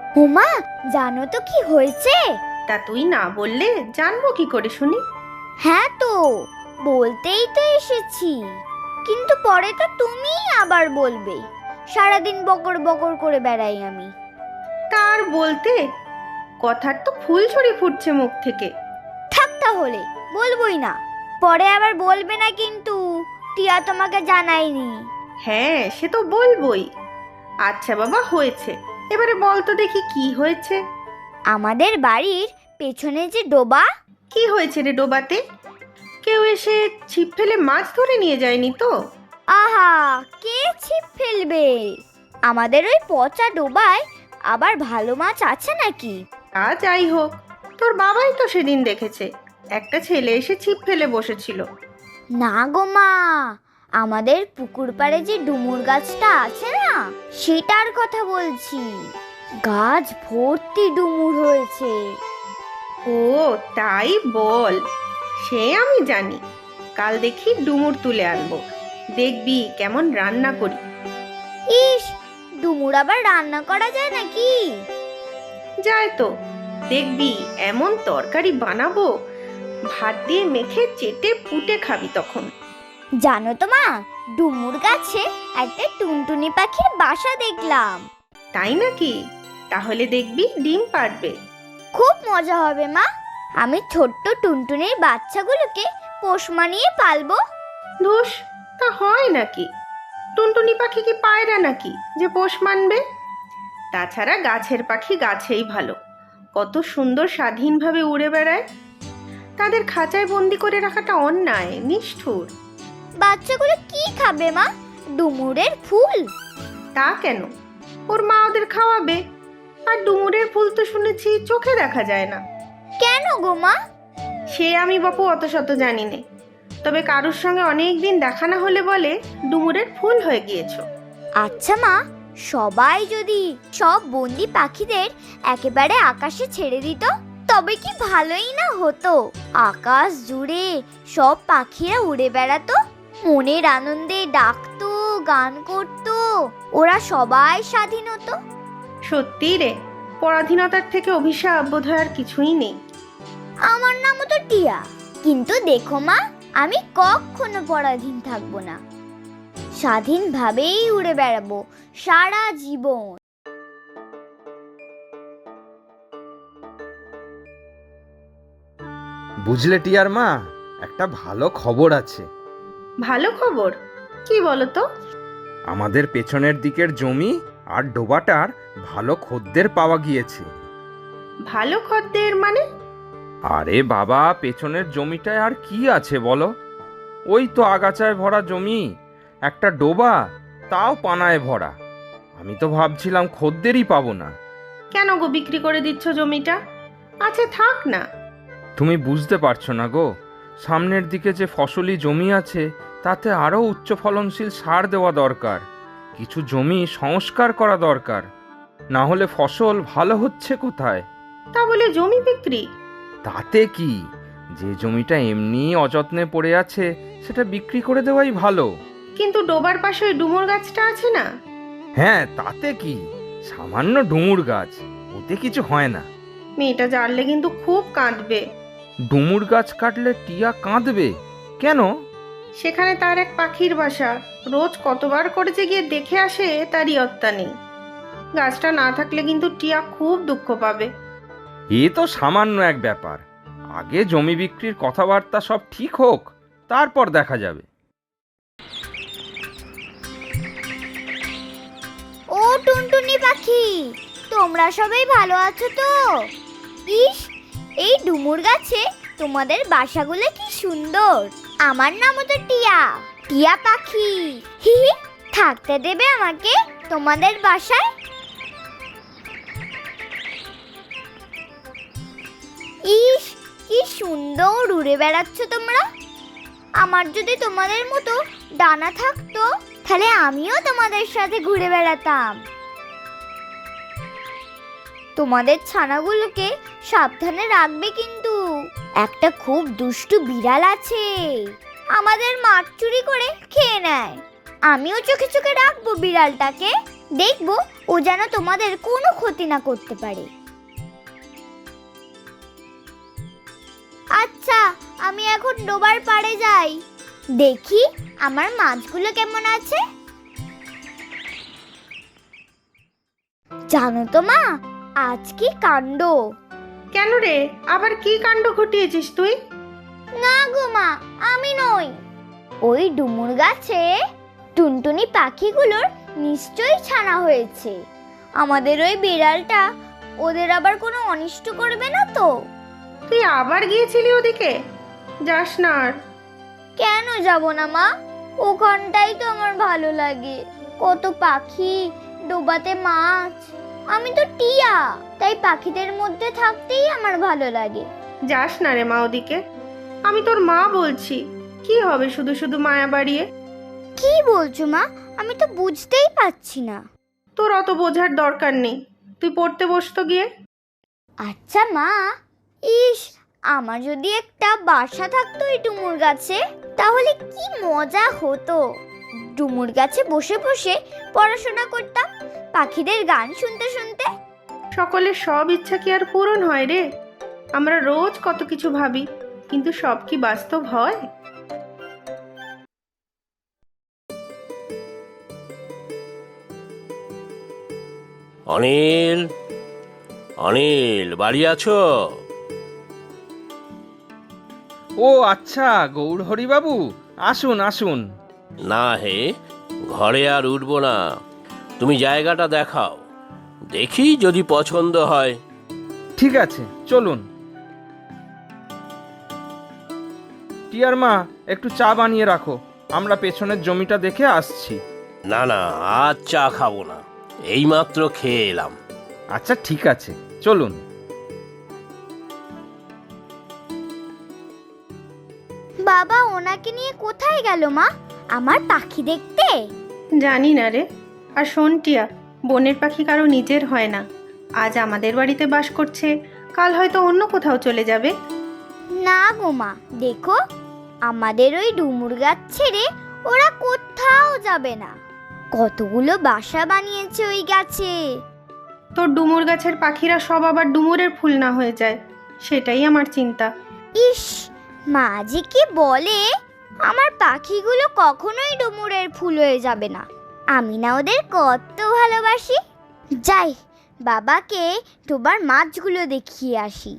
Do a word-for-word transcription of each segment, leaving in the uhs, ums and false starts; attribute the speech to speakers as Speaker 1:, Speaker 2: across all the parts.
Speaker 1: উমা, জানো তো কি হয়েছে?
Speaker 2: তা তুই না বললে জানবো কি করে শুনি?
Speaker 1: হ্যাঁ তো, বলতেই তো এসেছি, কিন্তু পরে তো তুমি আবার বলবে। সারাদিন বকর বকর করে বেড়াই আমি।
Speaker 2: তার বলতে কথার তো ফুলঝড়ি ফুটছে মুখ থেকে।
Speaker 1: থাক তাহলে, বলবোই না। পরে আবার বলবে না কিন্তু টিয়া তোমাকে জানায়নি।
Speaker 2: হ্যাঁ, সে তো বলবোই। আচ্ছা বাবা, হয়েছে, এবারে বল তো দেখি কি হয়েছে।
Speaker 1: আমাদের বাড়ির পেছনে যে ডোবা,
Speaker 2: কি হয়েছে রে ডোবাতে? কেউ এসে ছিপ ফেলে মাছ ধরে নিয়ে যায়নি তো?
Speaker 1: আহা, কে ছিপ ফেলবে? আমাদের ওই পচা ডোবায় আবার ভালো মাছ আছে নাকি?
Speaker 2: তা যাই হোক, তোর বাবাই তো সেদিন দেখেছে একটা ছেলে এসে ছিপ ফেলে বসেছিল।
Speaker 1: না গো মা, আমাদের পুকুর পাড়ে যে ডুমুর গাছটা আছে না, সেটার কথা বলছি। গাছ ভর্তি ডুমুর হয়েছে।
Speaker 2: ও তাই বল, সে আমি জানি। কাল দেখি ডুমুর তুলে আনবো, দেখবি কেমন রান্না করি।
Speaker 1: ইস, ডুমুর আবার রান্না করা যায় নাকি?
Speaker 2: যায় তো, দেখবি এমন তরকারি বানাবো, ভাত দিয়ে মেখে চেটে পুটে খাবি তখন।
Speaker 1: জানো তো মা, ডুমুর গাছে একটা টুনটুনি পাখির বাসা দেখলাম।
Speaker 2: তাই নাকি? তাহলে দেখবি ডিম পাড়বে।
Speaker 1: খুব মজা হবে মা। আমি ছোট্ট টুনটুনির বাচ্চাগুলোকে পোষ মানিয়ে পালবো।
Speaker 2: ধুস, তা হয় নাকি? টুনটুনি পাখি কি পায়রা নাকি যে পোষ মানবে? তাছাড়া গাছের পাখি গাছেই ভালো, কত সুন্দর স্বাধীনভাবে উড়ে বেড়ায়। তাদের খাঁচায় বন্দি করে রাখাটা অন্যায়, নিষ্ঠুর।
Speaker 1: বাচ্চাগুলো কি খাবে মা? ডুমুরের ফুল?
Speaker 2: তা কেন, ওর মা ওদের খাওয়াবে। আর ডুমুরের ফুল তো শুনেছি চোখে দেখা যায় না।
Speaker 1: কেন গো মা?
Speaker 2: সে আমি বাপু অত শত জানি নে, তবে কারুর সঙ্গে অনেক দিন দেখা না হলে বলে ডুমুরের ফুল হয়ে গিয়েছো।
Speaker 1: আচ্ছা মা, সবাই যদি সব বন্দি পাখিদের একেবারে আকাশে ছেড়ে দিত, তবে কি ভালোই না হতো? আকাশ জুড়ে সব পাখিরা উড়ে বেড়াতো, মনের আনন্দে ডাকতো, গান করতো, ওরা সবাই স্বাধীন হতো।
Speaker 2: সত্যি রে, পরাধীনতার থেকে অভিশাপ বোধহয় আর কিছুই নেই।
Speaker 1: আমার নামও তো টিয়া, কিন্তু দেখো মা, আমি কখনো পরাধীন থাকবো না। স্বাধীনভাবেই উড়ে বেড়াবো সারা জীবন।
Speaker 3: বুঝলে টিয়ার মা, একটা ভালো খবর আছে।
Speaker 2: ভালো খবর? কি বলো তো?
Speaker 3: আমাদের পেছনের দিকের জমি আর ডোবাটার ভালো খদ্দের পাওয়া গিয়েছে।
Speaker 2: ভালো খদ্দের মানে?
Speaker 3: আরে বাবা, পেছনের জমিটায় আর কি আছে বলো? ওই তো আগাছায় ভরা জমি, একটা ডোবা, তাও পানায় ভরা। আমি তো ভাবছিলাম খদ্দেরই পাবো না।
Speaker 2: কেন গো বিক্রি করে দিচ্ছ জমিটা? আছে থাক না।
Speaker 3: তুমি বুঝতে পারছো না গো, সামনের দিকে যে ফসলি জমি আছে তাতে আরও উচ্চ ফলনশীল সার দেওয়া দরকার। কিছু জমি সংস্কার করা দরকার, না হলে ফসল ভালো হচ্ছে কোথায়?
Speaker 2: তা বলে জমি বিক্রি?
Speaker 3: তাতে কি, যে জমিটা এমনি অযত্নে পড়ে আছে সেটা বিক্রি করে দেওয়াই ভালো।
Speaker 2: কিন্তু ডোবার পাশে ওই ডুমুর গাছটা আছে না?
Speaker 3: হ্যাঁ, তাতে কি, সামান্য ডুমুর গাছ, ওতে কিছু হয় না।
Speaker 2: মেয়েটা জানলে কিন্তু খুব কাঁদবে।
Speaker 3: ডুমুর গাছ কাটলে টিয়া কাঁদবে কেন?
Speaker 2: সেখানে তার এক পাখির বাসা, রোজ কতবার করে যে গিয়ে দেখে আসে তারই অত্তা নেই। গাছটা না থাকলে কিন্তু টিয়া খুব দুঃখ পাবে।
Speaker 3: এ তো সামান্য এক ব্যাপার, আগে জমি বিক্রির কথাবার্তা সব ঠিক হোক, তারপর দেখা যাবে।
Speaker 1: ও টুনটুনি পাখি, তোমরা সবাই ভালো আছো তো? ইস, এই ডুমুর গাছে তোমাদের বাসাগুলো কি সুন্দর। আমার নামও তো টিয়া, টিয়া পাখি। হি হি, থাকতে দেবে আমাকে তোমাদের বাসায়? ইস, কি সুন্দর উড়ে বেড়াচ্ছ তোমরা। আমার যদি তোমাদের মতো ডানা থাকতো, তাহলে আমিও তোমাদের সাথে ঘুরে বেড়াতাম। তোমাদের ছানাগুলোকে সাবধানে রাখবে কিন্তু। একটা খুব দুষ্টু বিড়াল আছে, আমাদের মাছ চুরি করে খেয়ে নেয়। আমিও চোখে চোখে রাখবো বিড়ালটাকে, দেখবো ও যেন তোমাদের কোনো ক্ষতি না করতে পারে। আচ্ছা, আমি এখন ডোবার পাড়ে যাই, দেখি আমার মাছগুলো কেমন আছে। জানো তো মা, আজ কি কাণ্ড!
Speaker 2: কেন রে, আবার কি কাণ্ড ঘটিয়েছিস তুই?
Speaker 1: না গো মা, আমি নই। ওই ডুমুর গাছে টুনটুনি পাখিগুলোর নিশ্চয়ই ছানা হয়েছে। আমাদের ওই বিড়ালটা ওদের আবার কোনো অনিষ্ট করবে না তো?
Speaker 2: তুই আবার গিয়েছিলি ওদিকে? যাস না আর।
Speaker 1: কেন যাব না মা, ওখানটাই তো আমার ভালো লাগে। কত পাখি, ডোবাতে মাছ। আমি তো টিয়া, তাই পাখিদের মধ্যে থাকতেই আমার ভালো লাগে।
Speaker 2: যাস না রে মা ওদিকে। আমি তোর মা বলছি, কি হবে শুধু শুধু মায়া বাড়িয়ে?
Speaker 1: কি বলছো মা? আমি তো বুঝতেই পারছি না।
Speaker 2: তোর অত বোঝার দরকার নেই, তুই পড়তে বসতো গিয়ে।
Speaker 1: আচ্ছা মা, ইস, আমার যদি একটা বাসা থাকতো এই ডুমুর গাছে, তাহলে কি মজা হতো। ডুমুর গাছে বসে বসে পড়াশোনা করতাম, পাখিদের গান শুনতে শুনতে।
Speaker 2: সকলের সব ইচ্ছা কি আর পূরণ হয় রে? আমরা রোজ কত কিছু ভাবি, কিন্তু সব কি বাস্তব হয়?
Speaker 4: অনিল, অনিল, বাড়ি আছো?
Speaker 3: ও আচ্ছা, গৌরহরি বাবু, আসুন আসুন।
Speaker 4: না হে, ঘরে আর উঠবো না। তুমি জায়গাটা দেখাও, দেখি যদি পছন্দ হয়।
Speaker 3: ঠিক আছে, চলুন। টিয়ার মা, একটু চা বানিয়ে রাখো, আমরা পেছনের জমিটা দেখে আসছি।
Speaker 4: না না, আজ চা খাবো না, এইমাত্র খেয়ে এলাম।
Speaker 3: আচ্ছা ঠিক আছে, চলুন।
Speaker 1: বাবা ওনাকে নিয়ে কোথায় গেল মা? আমার পাখি দেখতে?
Speaker 2: জানি না রে। আর শোন টিয়া, বনের পাখি কারো নিজের হয় না। আজ আমাদের বাড়িতে বাস করছে, কাল হয়তো অন্য কোথাও চলে যাবে।
Speaker 1: না গো মা, দেখো, আমাদের ওই ডুমুর গাছ ছেড়ে ওরা কোথাও যাবে না। কতগুলো বাসা বানিয়েছে ওই গাছে।
Speaker 2: তোর ডুমুর গাছের পাখিরা সব আবার ডুমুরের ফুল না হয়ে যায়, সেটাই আমার চিন্তা।
Speaker 1: ইস, মা যে কি বলে! আমার পাখিগুলো কখনোই ডুমুরের ফুল হয়ে যাবে না। আমি না ওদের কত ভালোবাসি। যাই, বাবাকে ডোবার মাছগুলো দেখিয়ে আসি।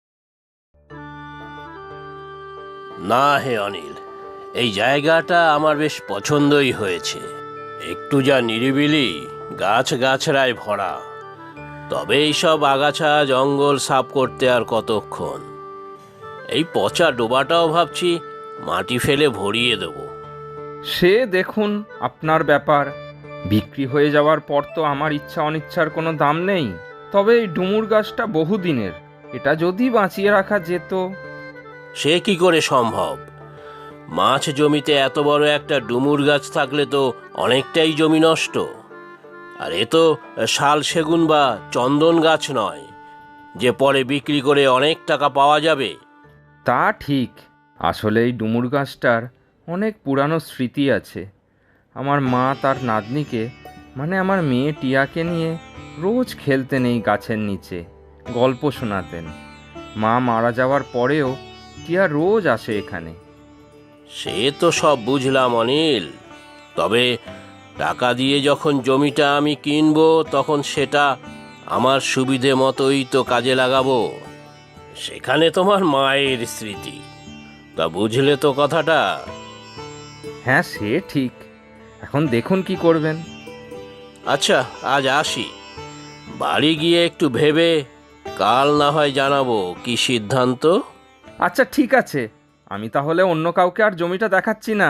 Speaker 4: না হে অনিল, এই জায়গাটা আমার বেশ পছন্দই হয়েছে। একটু যা নিরিবিলি, গাছ গাছড়ায় ভরা। তবে এইসব আগাছা জঙ্গল সাফ করতে আর কতক্ষণ। এই পচা ডোবাটাও ভাবছি মাটি ফেলে ভরিয়ে দেব।
Speaker 3: সে দেখুন, আপনার ব্যাপার। বিক্রি হয়ে যাওয়ার পর তো আমার ইচ্ছা অনিচ্ছার কোনো দাম নেই। তবে এই ডুমুর গাছটা বহুদিনের, এটা যদি বাঁচিয়ে রাখা যেত।
Speaker 4: সে কি করে সম্ভব? মাছ জমিতে এত বড় একটা ডুমুর গাছ থাকলে তো অনেকটাই জমি নষ্ট। আর এ তো শাল সেগুন বা চন্দন গাছ নয় যে পরে বিক্রি করে অনেক টাকা পাওয়া যাবে।
Speaker 3: তা ঠিক, আসলে এই ডুমুর গাছটার অনেক পুরানো স্মৃতি আছে। আমার মা তার নাতনিকে, মানে আমার মেয়ে টিয়াকে নিয়ে রোজ খেলতেন এই গাছের নিচে, গল্প শোনাতেন। মা মারা যাওয়ার পরেও টিয়া রোজ আসে এখানে।
Speaker 4: সে তো সব বুঝলাম অনিল, তবে টাকা দিয়ে যখন জমিটা আমি কিনবো তখন সেটা আমার সুবিধে মতোই তো কাজে লাগাবো। সেখানে তোমার মায়ের স্মৃতি, তা বুঝলে তো কথাটা?
Speaker 3: হ্যাঁ সে ঠিক, এখন দেখুন কি করবেন।
Speaker 4: আচ্ছা, আজ আসি। বাড়ি গিয়ে একটু ভেবে কাল না হয় জানাবো কি সিদ্ধান্ত।
Speaker 3: আচ্ছা ঠিক আছে, আমি তাহলে অন্য কাউকে আর জমিটা দেখাচ্ছি না।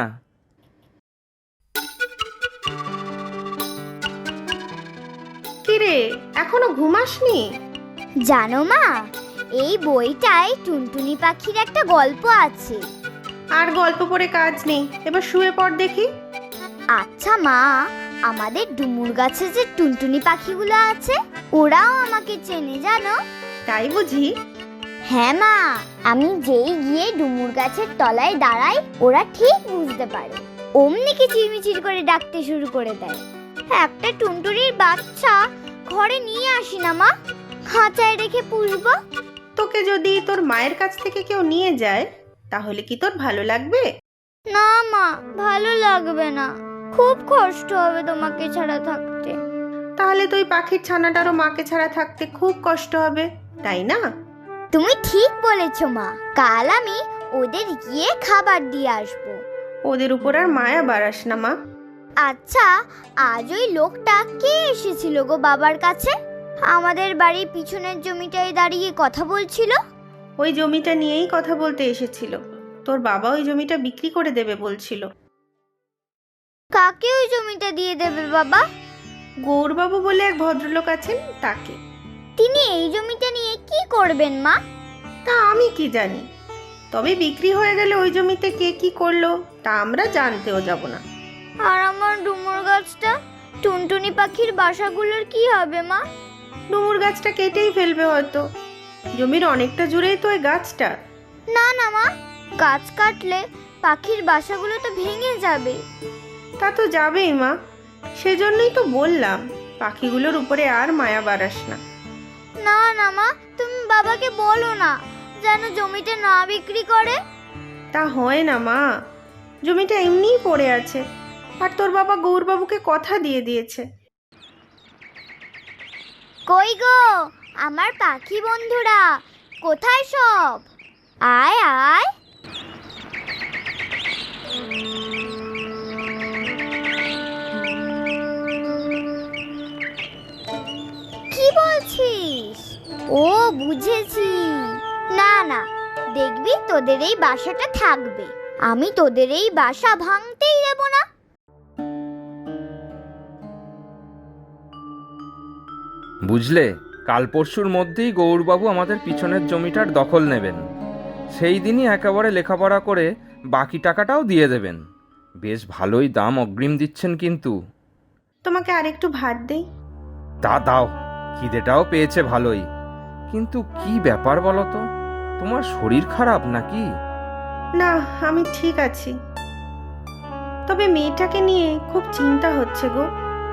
Speaker 2: কিরে, এখনো ঘুমাসনি?
Speaker 1: জানো মা, এই বইটায় টুনটুনি পাখির একটা গল্প আছে।
Speaker 2: আর গল্প পড়ে কাজ নেই, এবার শুয়ে পড় দেখি।
Speaker 1: আচ্ছা মা, আমাদের ডুমুর গাছে যে টুনটুনি পাখিগুলো আছে, ওরাও আমাকে চেনে জানো?
Speaker 2: তাই বুঝি?
Speaker 1: হ্যাঁ মা, আমি যেই গিয়ে ডুমুর গাছের তলায় দাঁড়াই, ওরা ঠিক বুঝতে পারে, অমনি কিচিরমিচির করে ডাকতে শুরু করে দেয়। একটা টুনটুনির বাচ্চা ঘরে নিয়ে আসি না মা, খাঁচায় রেখে পুষবো।
Speaker 2: তোকে যদি তোর মায়ের কাছ থেকে কেউ নিয়ে যায় তাহলে কি তোর ভালো লাগবে?
Speaker 1: না মা, ভালো লাগবে না, খুব কষ্ট হবে তোমাকে ছাড়া থাকতে।
Speaker 2: তাহলে তুই পাখির ছানাটারও মাকে ছাড়া থাকতে খুব কষ্ট হবে, তাই না?
Speaker 1: তুমি ঠিক বলেছো মা, কাল আমি ওদের গিয়ে খাবার দিয়ে আসবো।
Speaker 2: ওদের উপর আর মায়া বাড়াস না মা।
Speaker 1: আচ্ছা, আজ ওই লোকটা কে এসেছিল গো বাবার কাছে? আমাদের বাড়ির পিছনের জমিটায় দাঁড়িয়ে কথা বলছিল।
Speaker 2: ওই জমিটা নিয়েই কথা বলতে এসেছিল। তোর বাবা ওই জমিটা বিক্রি করে দেবে বলছিল।
Speaker 1: কাকে ওই জমিটা দিয়ে দেবে বাবা?
Speaker 2: গৌরবাবু বলে এক ভদ্রলোক আছেন, তাকে।
Speaker 1: তিনি এই জমিটা নিয়ে কি করবেন মা?
Speaker 2: তা আমি কি জানি, তবে বিক্রি হয়ে গেলে ওই জমিতে কে কি করলো তা আমরা জানতেও যাব না।
Speaker 1: আর আমার ডুমুর গাছটা, টুনটুনি পাখির বাসাগুলোর কি হবে মা?
Speaker 2: ডুমুর গাছটা কেটেই ফেলবে হয়তো। জমির অনেকটা জুড়েই তো ওই গাছটা।
Speaker 1: না না মা, গাছ কাটলে পাখির বাসাগুলো তো ভেঙে যাবে।
Speaker 2: তা তো যাবেই মা, সেজন্যই তো বললাম পাখিগুলোর উপরে আর মায়া বাড়াস না।
Speaker 1: না না মা, তুমি বাবাকে বলো না যেন জমিটা না বিক্রি করে।
Speaker 2: তা হয় না মা, জমিটা এমনিই পড়ে আছে, আর তোর বাবা গৌরবাবুকে কথা দিয়ে দিয়েছে।
Speaker 1: কই গো আমার পাখি বন্ধুরা, কোথায় সব? আয় আয়। কি বলছিস? ও বুঝেছি। না না, দেখবি তোদের এই বাসাটা থাকবে, আমি তোদের এই বাসা ভাঙতেই দেব না।
Speaker 3: বুঝলে, কাল পরশুর মধ্যেই গৌরবাবু আমাদের পিছনের জমিটার দখল নেবেন। সেই দিনই একেবারে লেখাপড়া করে বাকি টাকাটাও দিয়ে দেবেন। বেশ ভালোই দাম অগ্রিম দিচ্ছেন কিন্তু।
Speaker 2: তোমাকে আরেকটু ভাত দেই?
Speaker 3: তা দাও, খিদেটাও পেয়েছে ভালোই। কিন্তু কি ব্যাপার বলো তো, তোমার শরীর খারাপ নাকি?
Speaker 2: না, আমি ঠিক আছি, তবে মেয়েটাকে নিয়ে খুব চিন্তা হচ্ছে গো।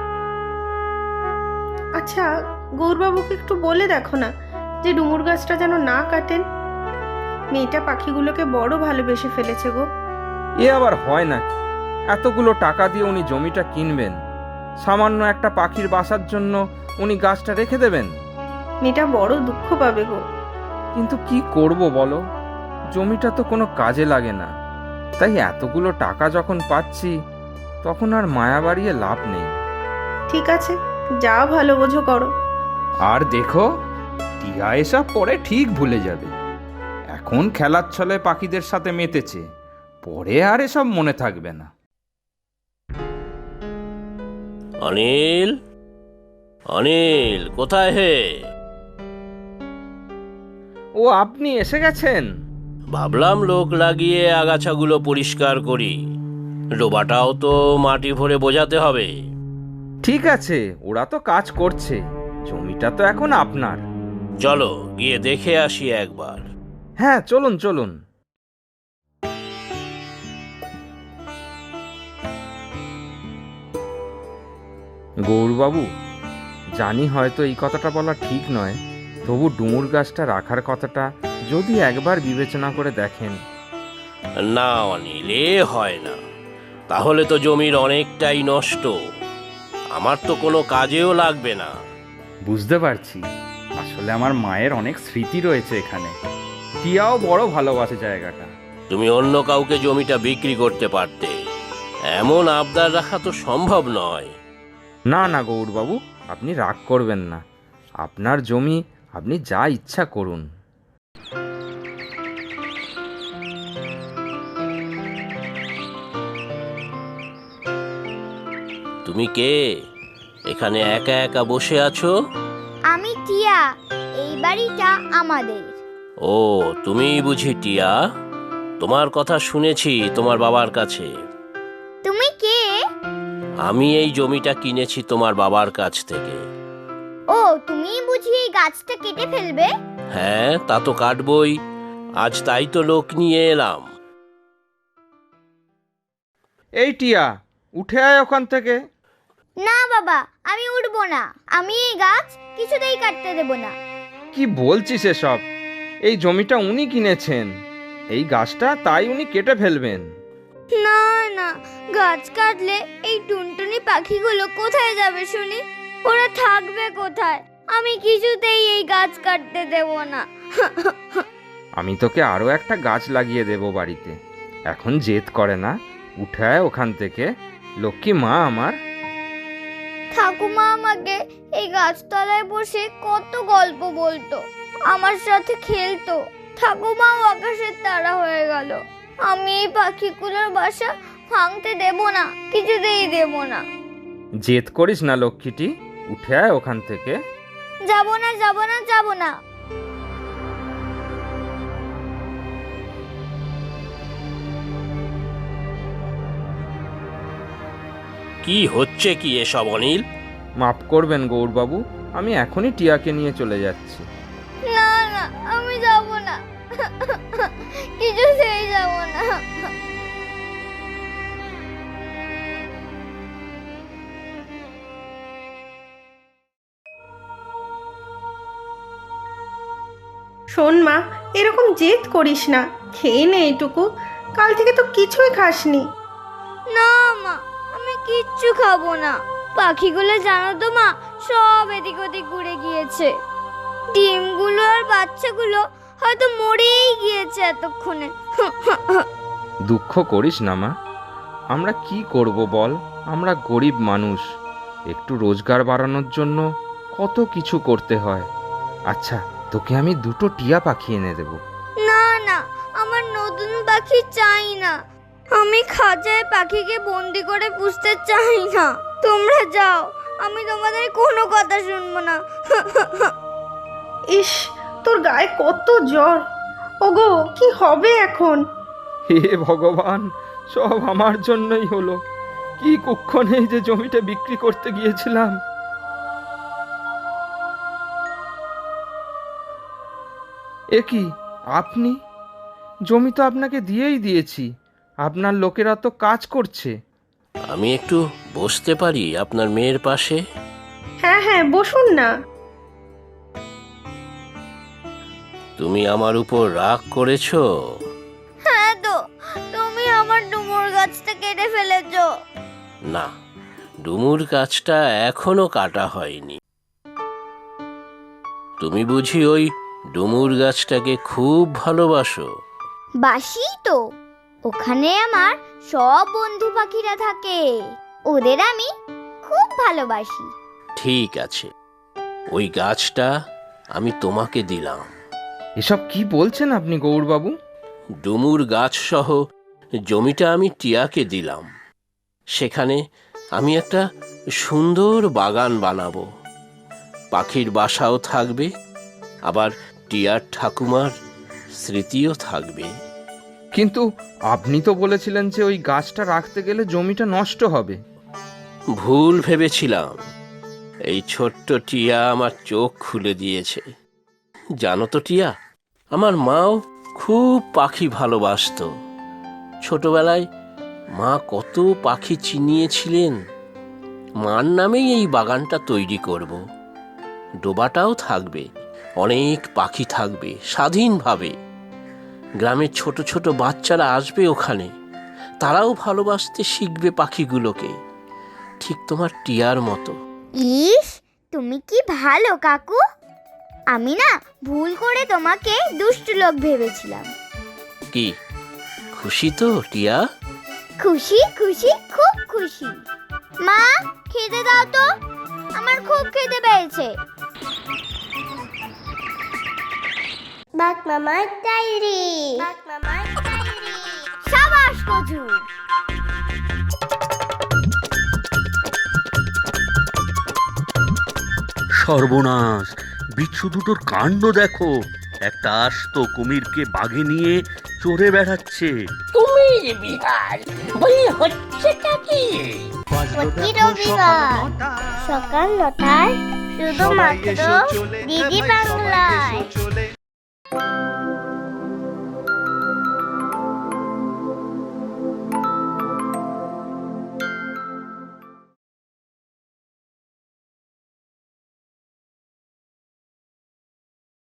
Speaker 2: আচ্ছা, গৌরবাবুকে একটু বলে দেখো না যে ডুমুর গাছটা যেন না কাটেন। মেয়েটা পাখিগুলোকে বড় ভালোবেসে ফেলেছে গো।
Speaker 3: এ আবার হয় নাকি? এতগুলো টাকা দিয়ে উনি জমিটা কিনবেন, সামান্য একটা পাখির বাসার জন্য উনি গাছটা রেখে দেবেন?
Speaker 2: মেয়েটা বড় দুঃখ পাবে গো।
Speaker 3: কিন্তু কি করব বলো, জমিটা তো কোনো কাজে লাগে না, তাই এতগুলো টাকা যখন পাচ্ছি তখন আর মায়া বাড়িয়ে লাভ নেই।
Speaker 2: ঠিক আছে, যা ভালো বোঝো করো।
Speaker 5: আর দেখো, টিয়া এসব পরে ঠিক ভুলে যাবে। এখন খেলার ছলে পাখিদের সাথে মেতেছে, পরে আর এসব মনে থাকবে না।
Speaker 4: অনিল, অনিল কোথায় হে?
Speaker 3: ও, আপনি এসে গেছেন?
Speaker 4: ভাবলাম লোক লাগিয়ে আগাছাগুলো পরিষ্কার করি, ডোবাটাও তো মাটি ভরে বোঝাতে হবে।
Speaker 3: ঠিক আছে, ওরা তো কাজ করছে, জমিটা তো এখন আপনার।
Speaker 4: চলো গিয়ে দেখে আসি একবার।
Speaker 3: হ্যাঁ, চলুন চলুন। গৌরবাবু, জানি হয়তো এই কথাটা বলা ঠিক নয়, তবু ডুমুর গাছটা রাখার কথাটা যদি একবার বিবেচনা করে দেখেন।
Speaker 4: না অনিল, এ হয় না, তাহলে তো জমির অনেকটাই নষ্ট, আমার তো কোনো কাজেও লাগবে না।
Speaker 5: বুঝতে পারছি, আসলে আমার মায়ের অনেক স্মৃতি রয়েছে এখানে।
Speaker 3: টিয়াও বড় ভালোবাসে জায়গাটা।
Speaker 4: তুমি অন্য কাউকে জমিটা বিক্রি করতে পারতে, এমন আবদার রাখা তো সম্ভব নয়।
Speaker 3: না না গৌরবাবু, আপনি রাগ করবেন না, আপনার জমি, আপনি যা ইচ্ছা করুন।
Speaker 4: তুমি কে? এখানে একা একা বসে আছো?
Speaker 1: আমি টিয়া, এই বাড়িটা আমাদের।
Speaker 4: ও, তুমিই বুঝি টিয়া? তোমার কথা শুনেছি তোমার বাবার কাছে।
Speaker 1: তুমি কে?
Speaker 4: আমি এই জমিটা কিনেছি তোমার বাবার কাছ থেকে।
Speaker 1: ও, তুমি বুঝি এই গাছটা কেটে ফেলবে?
Speaker 4: হ্যাঁ, তা তো কাটবই, আজ তাই তো লোক নিয়ে এলাম।
Speaker 3: এই টিয়া, উঠে আয় ওখান থেকে।
Speaker 1: না বাবা, আমি উঠবো না। আমি এই গাছ কিছুতেই কাটতে দেব না।
Speaker 3: কি বলছিস এসব? এই জমিটা উনি কিনেছেন, এই গাছটা তাই উনি কেটে ফেলবেন।
Speaker 1: না না, গাছ কাটলে এই টুনটুনি পাখিগুলো কোথায় যাবে শুনি? ওরা থাকবে কোথায়? আমি কিছুতেই এই গাছ কাটতে দেব না।
Speaker 3: আমি তোকে আরও একটা গাছ লাগিয়ে দেব বাড়িতে। এখন জেদ করে না, উঠে আয় ওখান থেকে, লক্ষ্মী মা আমার।
Speaker 1: ঠাকুমা আমাকে এই গাছতলায় বসে কত গল্প বলতো, আমার সাথে খেলতো। ঠাকুমাও আকাশের তারা হয়ে গেল। আমি এই পাখিগুলোর বাসা ভাঙতে দেব না, কিছুতেই দেব না।
Speaker 3: জেদ করিস না লক্ষ্মীটি, উঠে আয় ওখান থেকে।
Speaker 1: যাব না, যাব না, যাব না।
Speaker 4: কি হচ্ছে কি এসব অনিল?
Speaker 3: মাফ করবেন গৌরবাবু, আমি এখনই টিয়াকে নিয়ে চলে যাচ্ছি।
Speaker 1: না না, আমি যাব না, কিছুতেই যাব না।
Speaker 2: শোন মা, এরকম জেদ করিস না, খেয়ে নে এইটুকু। কাল থেকে তো কিছুই খাসনি।
Speaker 1: না মা, আমি কিচ্ছু খাবো না। পাখিগুলো জানো তো মা, সব এদিক ওদিক উড়ে গিয়েছে। ডিমগুলো আর বাচ্চাগুলো হয়তো মরেই গিয়েছে এতক্ষণে।
Speaker 3: দুঃখ করিস না মা, আমরা কি করব বল? আমরা গরিব মানুষ, একটু রোজগার বাড়ানোর জন্য কত কিছু করতে হয়। আচ্ছা, তোকে আমি দুটো টিয়া পাখি এনে দেব।
Speaker 1: না না, আমার নতুন পাখি চাই না। আমি খাঁচায় পাখিকে বন্দি করে পুষতে চাই না। তোমরা যাও, আমি তোমাদের কোনো কথা শুনবো না।
Speaker 2: ইস, তোর গায়ে কত জ্বর। ওগো, কি হবে এখন?
Speaker 3: হে ভগবান, সব আমার জন্যই হলো। কি কুক্ষণে যে জমিটা বিক্রি করতে গিয়েছিলাম। এ কি আপনি? জমি তো আপনাকে দিয়েই দিয়েছি, আপনার লোকেরা তো কাজ করছে।
Speaker 4: আমি একটু বসতে পারি আপনার মেয়ের পাশে?
Speaker 2: হ্যাঁ হ্যাঁ, বসুন না।
Speaker 4: তুমি আমার উপর রাগ করেছো?
Speaker 1: হ্যাঁ তো, তুমি আমার ডুমুর গাছটা কেটে ফেলেছো।
Speaker 4: না, ডুমুর গাছটা এখনো কাটা হয়নি। তুমি বুঝি ওই ডুমুর গাছটাকে খুব ভালোবাসো?
Speaker 1: বাসি তো, ওখানে আমার সব বন্ধু পাখিরা থাকে, ওদের আমি খুব ভালোবাসি।
Speaker 4: ঠিক আছে, ওই গাছটা আমি তোমাকে দিলাম।
Speaker 3: এসব কি বলছেন আপনি গৌরবাবু?
Speaker 4: ডুমুর গাছ সহ জমিটা আমি টিয়াকে দিলাম। সেখানে আমি একটা সুন্দর বাগান বানাবো, পাখির বাসাও থাকবে, আবার টিয়ার ঠাকুমার স্মৃতিও থাকবে।
Speaker 3: কিন্তু আপনি তো বলেছিলেন যে ওই গাছটা রাখতে গেলে জমিটা নষ্ট হবে।
Speaker 4: ভুল ভেবেছিলাম। এই ছোট্ট টিয়া আমার চোখ খুলে দিয়েছে। জানো তো টিয়া, আমার মাও খুব পাখি ভালোবাসতো। ছোটবেলায় মা কত পাখি চিনিয়েছিলেন। মার নামেই এই বাগানটা তৈরি করব। ডোবাটাও থাকবে, অনেক পাখি থাকবে স্বাধীনভাবে। গ্রামের ছোট ছোট বাচ্চারা আসবে ওখানে, তারাও ভালোবাসতে শিখবে পাখিগুলোকে, ঠিক তোমার টিয়ার মতো।
Speaker 1: ইস, তুমি কি ভালো কাকু। আমি না ভুল করে তোমাকে দুষ্টু লোক ভেবেছিলাম।
Speaker 4: কি খুশি তো টিয়া?
Speaker 1: খুশি খুশি, খুব খুশি। মা, খেতে দাও তো, আমার খুব খেতে পেয়েছে। বাক মামার ডায়েরি, বাক মামার ডায়েরি। সাবাস কচু।
Speaker 6: সর্বনাশ, বিচ্ছু দুটোর কাণ্ড দেখো। একটা আস্ত কুমিরকে বাগে নিয়ে চড়ে বেড়াচ্ছে।
Speaker 7: কুমির বিহার বলি হচ্ছেটা কি?
Speaker 1: প্রতি রবিবার সকাল নটায় শুধুমাত্র ডিডি বাংলায়।